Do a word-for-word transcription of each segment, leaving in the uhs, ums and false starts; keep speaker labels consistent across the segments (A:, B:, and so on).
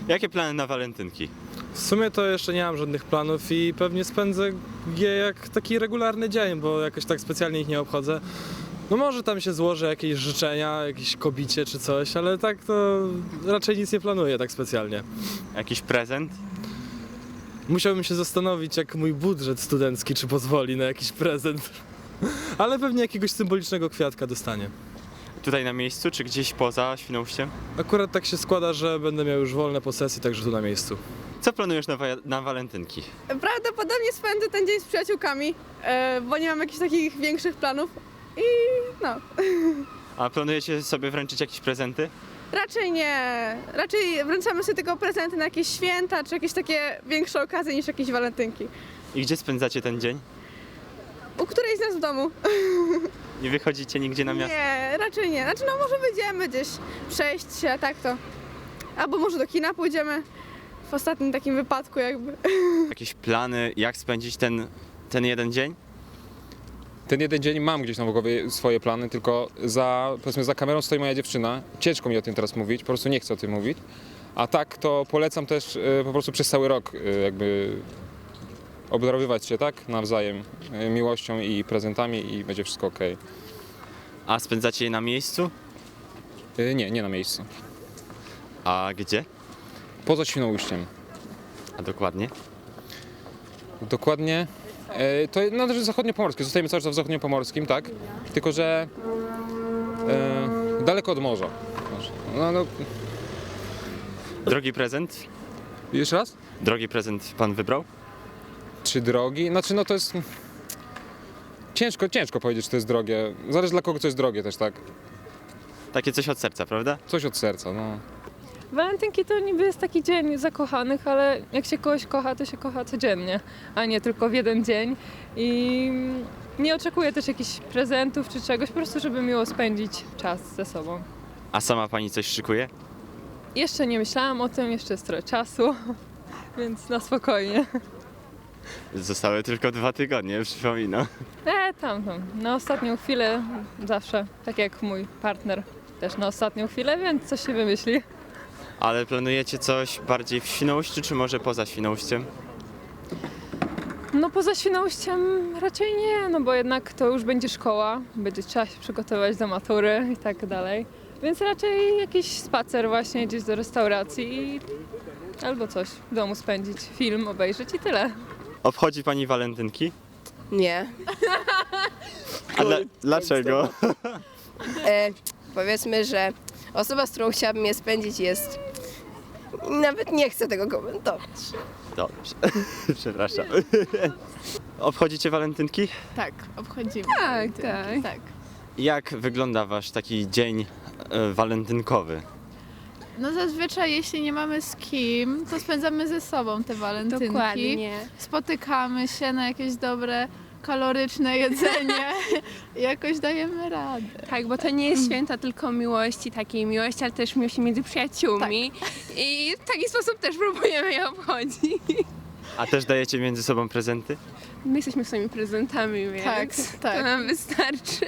A: Jakie plany na walentynki?
B: W sumie to jeszcze nie mam żadnych planów i pewnie spędzę je jak taki regularny dzień, bo jakoś tak specjalnie ich nie obchodzę. No może tam się złoży jakieś życzenia, jakieś kobicie czy coś, ale tak to raczej nic nie planuję tak specjalnie.
A: Jakiś prezent?
B: Musiałbym się zastanowić, jak mój budżet studencki, czy pozwoli na jakiś prezent. Ale pewnie jakiegoś symbolicznego kwiatka dostanie.
A: Tutaj na miejscu, czy gdzieś poza Świnoujściem?
B: Akurat tak się składa, że będę miał już wolne po sesji, także tu na miejscu.
A: Co planujesz na, wa- na walentynki?
C: Prawdopodobnie spędzę ten dzień z przyjaciółkami, e, bo nie mam jakichś takich większych planów i no,
A: A planujecie sobie wręczyć jakieś prezenty?
C: raczej nie. Raczej wręczamy sobie tylko prezenty na jakieś święta, czy jakieś takie większe okazje niż jakieś walentynki.
A: I gdzie spędzacie ten dzień?
C: U którejś z nas w domu?
A: Nie wychodzicie nigdzie na miasto?
C: Nie, raczej nie. Znaczy no może wyjdziemy gdzieś, przejść się, tak to. Albo może do kina pójdziemy. W ostatnim takim wypadku jakby.
A: Jakieś plany, jak spędzić ten, ten jeden dzień?
D: Ten jeden dzień mam gdzieś na głowie swoje plany, tylko za, powiedzmy, za kamerą stoi moja dziewczyna. Ciężko mi o tym teraz mówić, po prostu nie chcę o tym mówić. A tak to polecam też e, po prostu przez cały rok e, jakby obdarowywać się tak nawzajem e, miłością i prezentami i będzie wszystko ok.
A: A spędzacie je na miejscu?
D: E, nie, nie na miejscu.
A: A gdzie?
D: Poza Świnoujściem.
A: A dokładnie?
D: Dokładnie. E, to należy zachodniopomorskie. Zostajemy cały czas w zachodniopomorskim, tak? Tylko że e, daleko od morza. No, no,
A: Drogi prezent?
D: jeszcze raz?
A: Drogi prezent pan wybrał?
D: Czy drogi? Znaczy no to jest... Ciężko, ciężko powiedzieć, czy to jest drogie. Zależy dla kogo co jest drogie też, tak?
A: Takie coś od serca, prawda?
D: Coś od serca, no.
E: Walentynki to niby jest taki dzień zakochanych, ale jak się kogoś kocha, to się kocha codziennie, a nie tylko w jeden dzień. I nie oczekuję też jakichś prezentów czy czegoś, po prostu żeby miło spędzić czas ze sobą.
A: A sama pani coś szykuje?
E: Jeszcze nie myślałam o tym, jeszcze jest trochę czasu, więc na spokojnie.
A: Zostały tylko dwa tygodnie, przypominam.
E: E, tam, tam, na ostatnią chwilę zawsze, tak jak mój partner też na ostatnią chwilę, więc coś się wymyśli.
A: Ale planujecie coś bardziej w Świnoujściu, czy może poza Świnoujściem?
E: No poza Świnoujściem raczej nie, no bo jednak to już będzie szkoła, będzie trzeba się przygotować do matury i tak dalej. Więc raczej jakiś spacer właśnie gdzieś do restauracji i albo coś w domu spędzić, film obejrzeć i tyle.
A: Obchodzi pani walentynki?
F: Nie.
A: A dla, dlaczego?
F: E, powiedzmy, że osoba, z którą chciałabym je spędzić jest... Nawet nie chcę tego komentować.
A: Dobrze, przepraszam. Obchodzicie walentynki?
G: Tak, obchodzimy.
E: Tak,
G: walentynki,
E: tak.
G: tak.
A: Jak wygląda wasz taki dzień e, walentynkowy?
G: No zazwyczaj jeśli nie mamy z kim, to spędzamy ze sobą te walentynki.
F: Dokładnie.
G: Spotykamy się na jakieś dobre, kaloryczne jedzenie i jakoś dajemy radę.
H: Tak, bo to nie jest święta tylko miłości, takiej miłości, ale też miłości między przyjaciółmi. I w taki sposób też próbujemy je obchodzić.
A: A też dajecie między sobą prezenty?
H: My jesteśmy swoimi prezentami, więc
G: Tak, tak.
H: to nam wystarczy.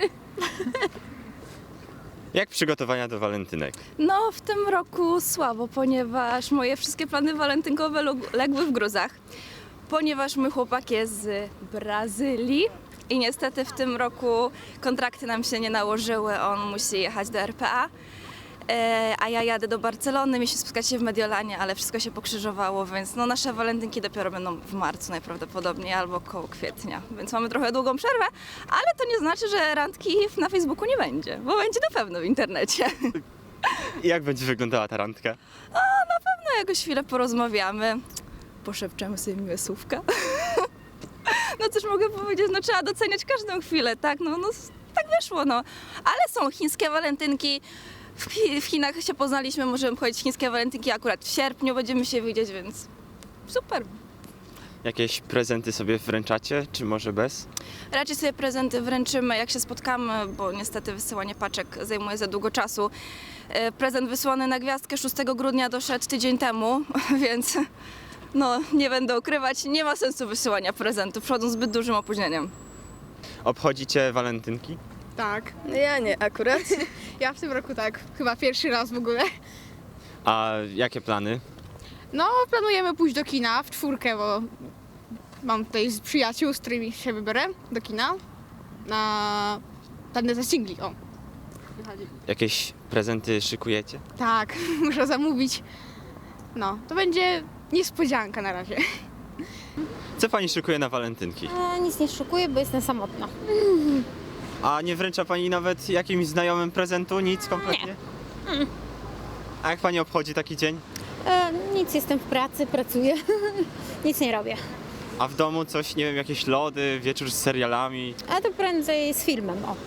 A: Jak przygotowania do walentynek?
I: No, w tym roku słabo, ponieważ moje wszystkie plany walentynkowe log- legły w gruzach. Ponieważ mój chłopak jest z Brazylii i niestety w tym roku kontrakty nam się nie nałożyły, on musi jechać do R P A. E, a ja jadę do Barcelony, mieliśmy spotkać się w Mediolanie, ale wszystko się pokrzyżowało, więc no, nasze walentynki dopiero będą w marcu najprawdopodobniej albo koło kwietnia, więc mamy trochę długą przerwę, ale to nie znaczy, że randki na Facebooku nie będzie, bo będzie na pewno w internecie.
A: Jak będzie wyglądała ta randka?
I: No jakoś chwilę porozmawiamy, poszepczemy sobie miłe słówka. No cóż mogę powiedzieć, no trzeba doceniać każdą chwilę, tak, no, no tak wyszło, no. Ale są chińskie walentynki, w, Chi- w Chinach się poznaliśmy, możemy chodzić chińskie walentynki akurat w sierpniu, będziemy się widzieć, więc super.
A: Jakieś prezenty sobie wręczacie, czy może bez?
I: Raczej sobie prezenty wręczymy, jak się spotkamy, bo niestety wysyłanie paczek zajmuje za długo czasu. E, Prezent wysłany na gwiazdkę szóstego grudnia doszedł tydzień temu, więc no nie będę ukrywać, nie ma sensu wysyłania prezentów, przychodzą z zbyt dużym opóźnieniem.
A: Obchodzicie walentynki?
C: Tak.
F: No ja nie, akurat.
C: Ja w tym roku tak, chyba pierwszy raz w ogóle.
A: A jakie plany?
G: No, planujemy pójść do kina w czwórkę, bo mam tutaj z przyjaciół, z którymi się wybiorę do kina na planetę singli. O,
A: Jakieś prezenty szykujecie?
G: tak, muszę zamówić. No, to będzie niespodzianka na razie.
A: Co pani szykuje na walentynki?
J: A, nic nie szukuję, bo jestem samotna.
A: A nie wręcza pani nawet jakimś znajomym prezentu? Nic kompletnie?
J: Mm.
A: A jak pani obchodzi taki dzień?
J: E, nic, jestem w pracy, pracuję. Nic nie robię.
A: A w domu coś, nie wiem, jakieś lody, wieczór z serialami
J: A to prędzej z filmem, o.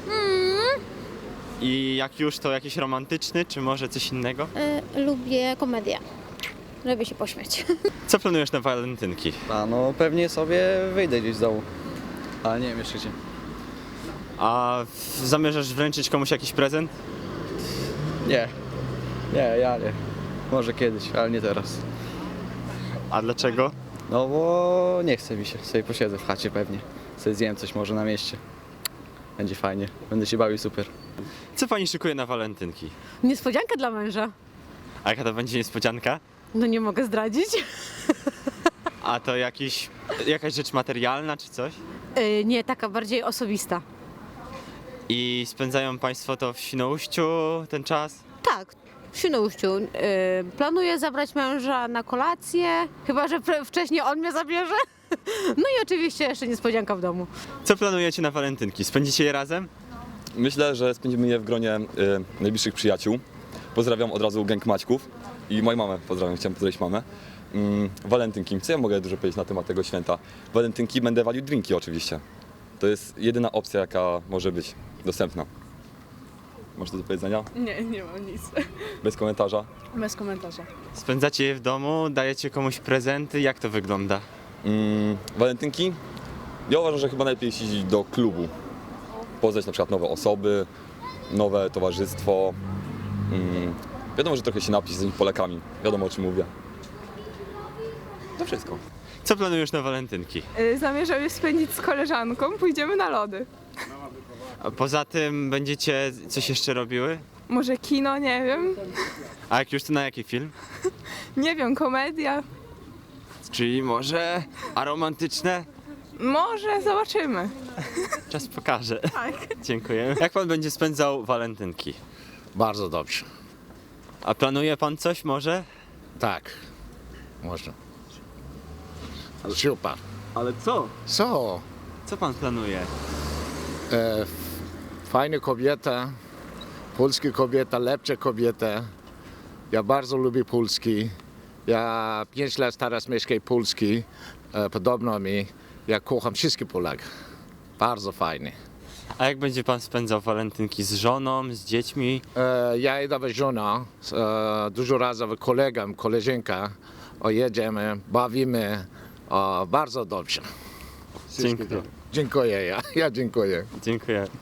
A: i jak już to jakiś romantyczny, czy może coś innego?
J: E, lubię komedię. Lubię się pośmiać.
A: Co planujesz na walentynki?
K: A no pewnie sobie wyjdę gdzieś z domu. Ale nie wiem jeszcze gdzie.
A: A w- zamierzasz wręczyć komuś jakiś prezent?
K: Nie. Nie, ja nie. Może kiedyś, ale nie teraz.
A: A dlaczego?
K: No bo nie chce mi się. Sobie posiedzę w chacie pewnie. Sobie zjem coś może na mieście. Będzie fajnie. Będę się bawił super.
A: Co pani szykuje na walentynki?
L: Niespodzianka dla męża.
A: A jaka to będzie niespodzianka?
L: No nie mogę zdradzić.
A: A to jakiś, jakaś rzecz materialna czy coś?
L: Yy, nie, taka bardziej osobista.
A: I spędzają państwo to w Świnoujściu ten czas?
L: Tak, w Świnoujściu. Yy, planuję zabrać męża na kolację, chyba że pre- wcześniej on mnie zabierze. No i oczywiście jeszcze niespodzianka w domu.
A: Co planujecie na walentynki? Spędzicie je razem?
M: Myślę, że spędzimy je w gronie y, najbliższych przyjaciół. Pozdrawiam od razu gang Maćków i moją mamę pozdrawiam, chciałem pozdrowić mamę. Mm, walentynki, co ja mogę dużo powiedzieć na temat tego święta? Walentynki będę walił drinki oczywiście. To jest jedyna opcja, jaka może być dostępna. Masz coś do powiedzenia?
G: Nie, nie mam nic.
M: Bez komentarza.
G: Bez komentarza.
A: Spędzacie je w domu, dajecie komuś prezenty, jak to wygląda?
M: Mm, walentynki? Ja uważam, że chyba najlepiej iść do klubu. Poznać na przykład nowe osoby, nowe towarzystwo. Mm, wiadomo, że trochę się napić z tymi Polakami. Wiadomo, o czym mówię. To wszystko.
A: Co planujesz na walentynki?
H: Zamierzam je spędzić z koleżanką, pójdziemy na lody.
A: A poza tym będziecie coś jeszcze robiły?
H: Może kino, nie wiem.
A: A jak już to na jaki film?
H: Nie wiem, komedia.
A: Czyli może aromantyczne?
H: Może, zobaczymy.
A: Czas pokaże. Tak. Dziękuję. Jak pan będzie spędzał walentynki?
N: Bardzo dobrze.
A: A planuje pan coś może?
N: Tak. Można. Super.
A: Ale co?
N: Co?
A: Co pan planuje?
N: E, f- fajna kobieta, polska kobieta, lepsza kobieta. Ja bardzo lubię Polski. Ja pięć lat teraz mieszkam w Polsce. E, podobno mi. Ja kocham wszystkich Polaków. Bardzo fajnie.
A: A jak będzie pan spędzał walentynki z żoną, z dziećmi?
N: E, ja idę z żoną, e, dużo razy z kolegą, koleżanka. O, jedziemy, bawimy. O, bardzo dobrze.
A: Dziękuję.
N: Dziękuję, ja, ja dziękuję.
A: Dziękuję.